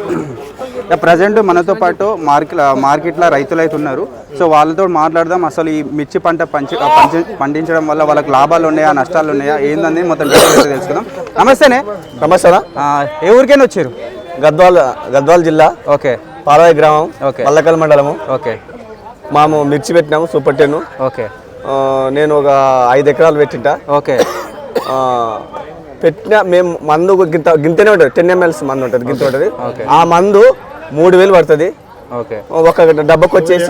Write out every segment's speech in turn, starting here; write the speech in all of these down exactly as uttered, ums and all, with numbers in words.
Present మనతో పాటు market మార్కెట్లో రైతులు అయితే ఉన్నారు. సో వాళ్ళతో మాట్లాడదాం. అసలు ఈ మిర్చి పంట పంచి పండించడం వల్ల వాళ్ళకి లాభాలు ఉన్నాయా, నష్టాలు ఉన్నాయా, ఏందని మొత్తం తెలుసుకుందాం. నమస్తేనే. నమస్తే. ఏ ఊరికైనా వచ్చారు? గద్వాల్ గద్వాల్ జిల్లా. ఓకే. పాలవాయి గ్రామం. ఓకే. మల్లకల్ మండలము. ఓకే. మాము మిర్చి పెట్టినాము, సూపర్ టెన్. ఓకే. నేను ఒక ఐదు ఎకరాలు పెట్టింటా. ఓకే. పెట్టిన మేము మందు గింత గింతనే ఉంటుంది, టెన్ ఎంఎల్స్ మందు ఉంటుంది, గింత ఉంటుంది. ఆ మందు మూడు వేలు పడుతుంది. ఓకే. ఒక డబ్బాకి వచ్చేసి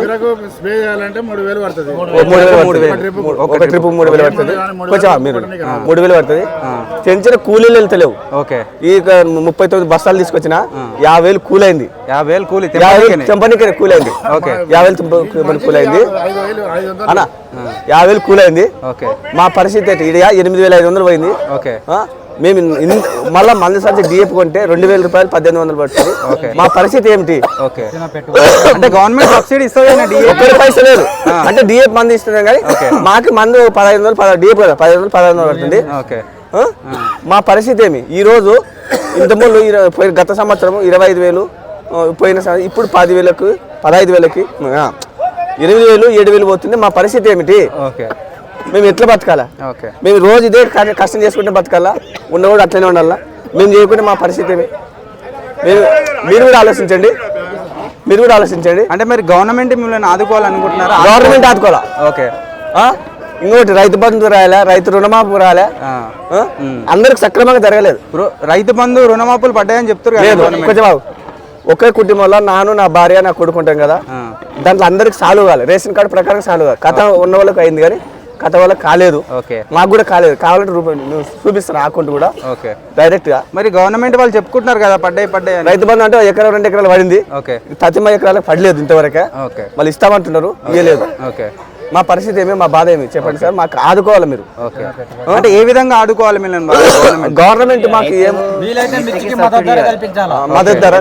ఒక ట్రిప్ మూడు వేలు పడుతుంది. కొంచెం మీరు మూడు వేలు పడుతుంది. పెంచిన కూలీలు వెళ్తలేవు. ఓకే. ఈ ముప్పై తొమ్మిది బస్తాలు తీసుకొచ్చిన యాభై వేలు కూలైంది. యాభై వేలు కూలి చెంపనికి కూలైంది. ఓకే. యాభై వేలు కూలైంది అన్న, యాభై వేలు కూలైంది. ఓకే. మా పరిస్థితి ఏంటి? ఇది ఎనిమిది వేల ఐదు వందలు పోయింది. ఓకే. మేము మళ్ళీ మంది సంచి డిఎఫ్ కొంటే రెండు వేల రూపాయలు పద్దెనిమిది వందలు పడుతుంది. మా పరిస్థితి ఏమిటి? ఓకే. అంటే గవర్నమెంట్ సబ్సిడీ ఇస్తుంది, పైసలు లేదు. అంటే డిఎఫ్ మంది ఇస్తున్నాం కానీ మాకు మందు పదహైదు వందలు డిఎఫ్ కదా పదిహేను వందలు పదహైదు వందలు పడుతుంది. మా పరిస్థితి ఏమి? ఈ రోజు ఇంతకుముందు పోయిన గత సంవత్సరం ఇరవై ఐదు వేలు పోయిన ఇప్పుడు పది వేలకు పదహైదు వేలకి ఎనిమిది వేలు ఏడు వేలు పోతుంది. మా పరిస్థితి ఏమిటి? ఓకే. మేము ఎట్లా బతకాలా? మేము రోజు ఇదే కష్టం చేసుకుంటే బతకాలా? ఉన్న కూడా అట్లనే ఉండాలా? మేము చేయకుంటే మా పరిస్థితి ఏమి? మీరు మీరు కూడా ఆలోచించండి, మీరు కూడా ఆలోచించండి. అంటే మరి గవర్నమెంట్ మిమ్మల్ని ఆదుకోవాలనుకుంటున్నారా? గవర్నమెంట్ ఆదుకోవాలా. ఓకే. ఇంకోటి రైతు బంధు రాయాలా, రైతు రుణమాఫీ రాయాలా, అందరికి సక్రమంగా జరగలేదు. రైతు బంధు రుణమాఫీలు పడ్డాయని చెప్తారు. కొంచెం ఒకే కుటుంబంలో నాను నా భార్య నా కొడుకుంటాం కదా, దాంట్లో అందరికి సాల్వ్ కావాలి. రేషన్ కార్డు ప్రకారం సాల్వ్ కావాలి. కథ ఉన్న వాళ్ళకి అయింది కానీ కథ వాళ్ళకి కాలేదు. మాకు కూడా కాలేదు. కావాలంటే రూపాయలు చూపిస్తాను అకౌంట్ కూడా డైరెక్ట్ గా. మరి గవర్నమెంట్ వాళ్ళు చెప్పుకుంటున్నారు కదా పడ్డాయి పడ్డాయి. రైతు బంధు అంటే ఎకరం రెండు ఎకరాలు పడింది. తతిమ ఎకరాలకు పడలేదు ఇంతవరకే. వాళ్ళు ఇస్తామంటున్నారు, ఇవ్వలేదు. మా పరిస్థితి ఏమి? మా బాధ ఏమి చెప్పండి సార్. మాకు ఆదుకోవాలి మీరు. అంటే ఏ విధంగా ఆదుకోవాలి మీరు? గవర్నమెంట్ మాకు ఏం మద్దతు ధర.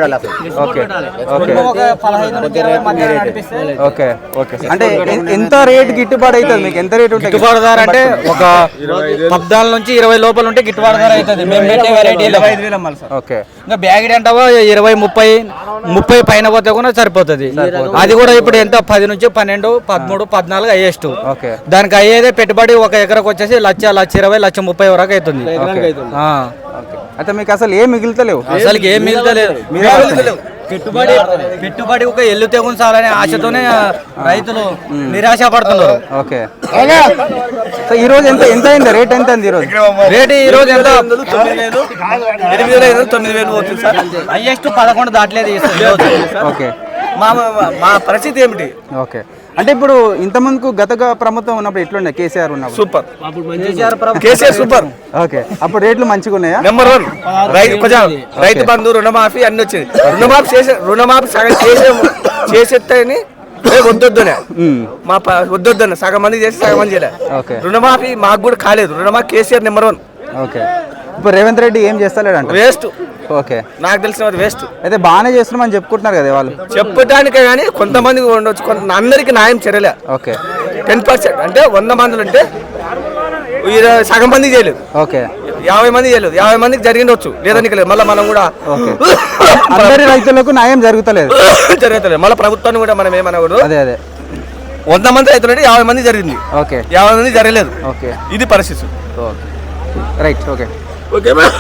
ఓకే. ఓకే. అంటే ఎంత రేట్ గిట్టుబాటు అవుతుంది మీకు? ఎంత రేట్ ఉంటుంది గిట్టుబాటు ధర? అంటే ఒక పద్నాలుగు నుంచి ఇరవై లోపల ఉంటే గిట్టుబాటు ధర అవుతుంది. మేము పెట్టే వెరైటీలో. ఓకే. ఇంకా బ్యాగ్ అంటావా ఇరవై ముప్పై ముప్పై పైన పోతే కూడా సరిపోతుంది. అది కూడా ఇప్పుడు ఎంత పది నుంచి పన్నెండు పదమూడు పద్నాలుగు హైయెస్ట్. దానికి అయ్యేదే పెట్టుబడి ఒక ఎకరకు వచ్చేసి లక్ష లక్ష ఇరవై లక్ష ముప్పై వరకు అవుతుంది. అయితే మీకు అసలు ఏం మిగులుతలేవు? అసలు ఏం మిగులుతలేదు. పెట్టుబడి పెట్టుబడి ఒక ఎల్లు తెగుంచాలనే ఆశతోనే రైతులు నిరాశ పడుతున్నారు. ఓకే. ఈ రోజు ఎంత ఎంత అయింది రేట్? ఎంత అయింది ఈ రోజు రేట్? ఈ రోజు ఎంత? ఎనిమిది వేల తొమ్మిది వేలు పోతుంది సార్. హైయెస్ట్ పదకొండు దాటలేదు. ఓకే. మా మా పరిస్థితి ఏమిటి? ఓకే. అంటే ఇప్పుడు ఇంత ముందుకు గత ప్రభుత్వం ఉన్నప్పుడు ఎట్లుండే? కేసీఆర్ ఉన్నప్పుడు సూపర్. కేసీఆర్ సూపర్. ఓకే. అప్పుడు రేట్లు మంచిగా ఉన్నాయా? Number one. రైతు కొంచెం రైతు బంధు రుణమాఫీ అన్ని వచ్చింది. రుణమాఫీ చేసే రుణమాఫీ సగం చేసే చేసేస్తాయని వద్దొద్దునే మా వద్దొద్దునే సగం మంది చేసి సగం మంది చేయలే. రుణమాఫీ మాకు కూడా కాలేదు. రుణమాఫీ కేసీఆర్ నెంబర్ వన్. ఓకే. ఇప్పుడు రేవంత్ రెడ్డి ఏం చేస్తలేడంట? వేస్ట్. ఓకే. నాకు తెలిసిన వేస్ట్. అయితే బాగానే చేస్తున్నామని చెప్పుకుంటున్నారు కదా వాళ్ళు. చెప్పడానికే కానీ కొంతమంది ఉండొచ్చు, కొంత అందరికి న్యాయం చర్యలే. ఓకే. టెన్ పర్సెంట్ అంటే వంద మందిలు ఉంటే సగం మంది చేయలేదు. ఓకే. యాభై మంది చేయలేదు. యాభై మందికి జరిగిండొచ్చు, లేదని లేదు. మళ్ళీ మనం కూడా అందరి రైతులకు న్యాయం జరుగుతలేదు జరుగుతలేదు మళ్ళీ ప్రభుత్వాన్ని కూడా మనం ఏమనకూడదు. అదే అదే వంద మంది రైతులు అంటే యాభై మంది జరిగింది. ఓకే. యాభై మంది జరగలేదు. ఓకే. ఇది పరిస్థితి. రైట్. ఓకే. ఓకే.